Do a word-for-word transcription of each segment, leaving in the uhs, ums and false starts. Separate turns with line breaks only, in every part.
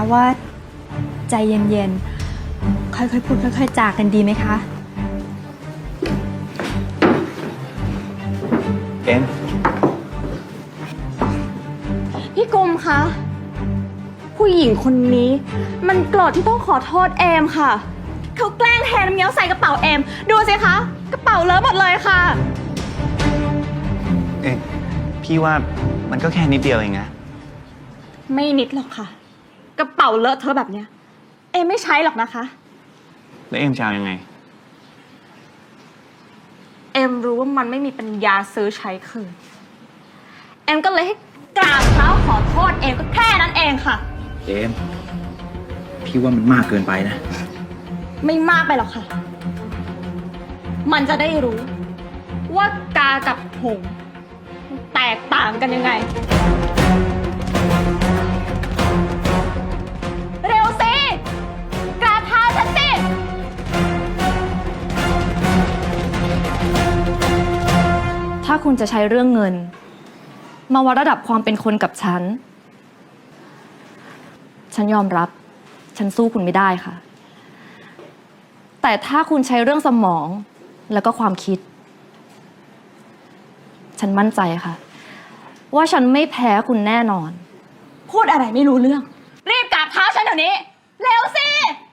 ว่าใจเย็นๆค่อยๆพูดค่อยๆจากันดีไหมคะ
เอ็ม
พี่กุมคะผู้หญิงคนนี้มันโกรธที่ต้องขอโทษเอมค่ะเขาแกล้งเทน้ำเงี้ยวใส่กระเป๋าเอมดูสิคะกระเป๋าเลอะหมดเลยค่ะ
เอ็มพี่ว่ามันก็แค่นิดเดียวเองนะ
ไม่นิดหรอกค่ะกระเป๋าเลอะเทอะแบบเนี้ยเอมไม่ใช้หรอกนะคะ
แล้วเอ็มจะเอายังไง
เอมรู้ว่ามันไม่มีปัญญาซื้อใช้คืนเอมก็เลยให้กราบเท้าขอโทษเอมก็แค่นั้นเองค่ะ
เอ็มพี่ว่ามันมากเกินไปนะ
ไม่มากไปหรอกค่ะมันจะได้รู้ว่ากากับหงส์แตกต่างกันยังไงเร็วสิกราบเท้าฉันสิ
ถ้าคุณจะใช้เรื่องเงินมาวัดระดับความเป็นคนกับฉันฉันยอมรับฉันสู้คุณไม่ได้ค่ะแต่ถ้าคุณใช้เรื่องสมองแล้วก็ความคิดฉันมั่นใจค่ะว่าฉันไม่แพ้คุณแน่นอน
พูดอะไรไม่รู้เรื่องรีบกราบเท้าฉันเดี๋ยวนี้เร็วสิ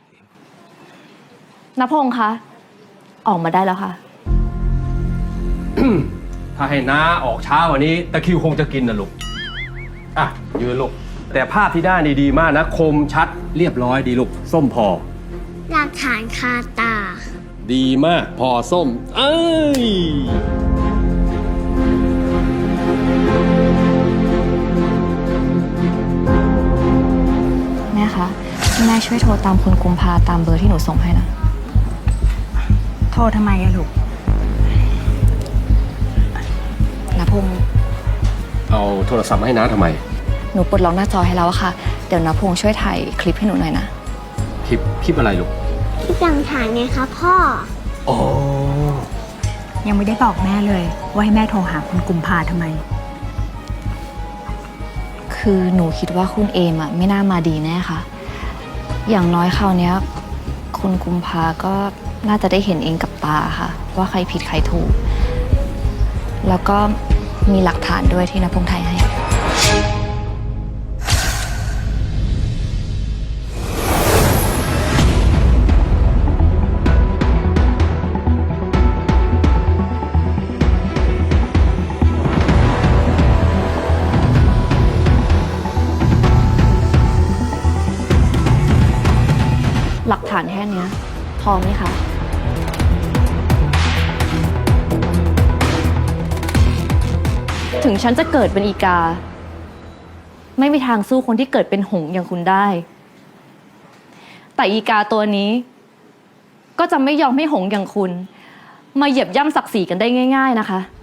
ณพงษ์คะออกมาได้แล้วค่ะ
ถ้าให้น้าออกช้ากว่านี้ตะคริวคงจะกินนะลูกอ่ะยืนลูกแต่ภาพที่ได้นี่ดีมากนะคมชัดเรียบร้อยดีลูกส้มพอ
หลักฐานคาตา
ดีมากพอส้มเอ้ย
แม่คะแม่ช่วยโทรตามคุณกุมภาตามเบอร์ที่หนูส่งให้นะโทรทำไมอะลูกนะพงษ์
เอาโทรศัพท์มาให้น้าทำไม
หนูปลดล็อกหน้าจอให้แล้วอะค่ะเดี๋ยวนะพงษ์ช่วยถ่ายคลิปให้หนูหน่อยนะ
คลิปคลิปอะไรลูก
คลิปหลักฐานไงคะพ่อ
อ๋อ
ยังไม่ได้บอกแม่เลยว่าให้แม่โทรหาคุณกุมภาทำไมคือหนูคิดว่าคุณเอมอะไม่น่ามาดีแน่ค่ะอย่างน้อยคราวนี้คุณกุมภาก็น่าจะได้เห็นเองกับตาค่ะว่าใครผิดใครถูกแล้วก็มีหลักฐานด้วยที่นพงษ์ไทยให้หลักฐานแค่นี้พอไหมคะถึงฉันจะเกิดเป็นอีกาไม่มีทางสู้คนที่เกิดเป็นหงส์อย่างคุณได้แต่อีกาตัวนี้ก็จะไม่ยอมให้หงส์อย่างคุณมาเหยียบย่ำศักดิ์ศรีกันได้ง่ายๆนะคะ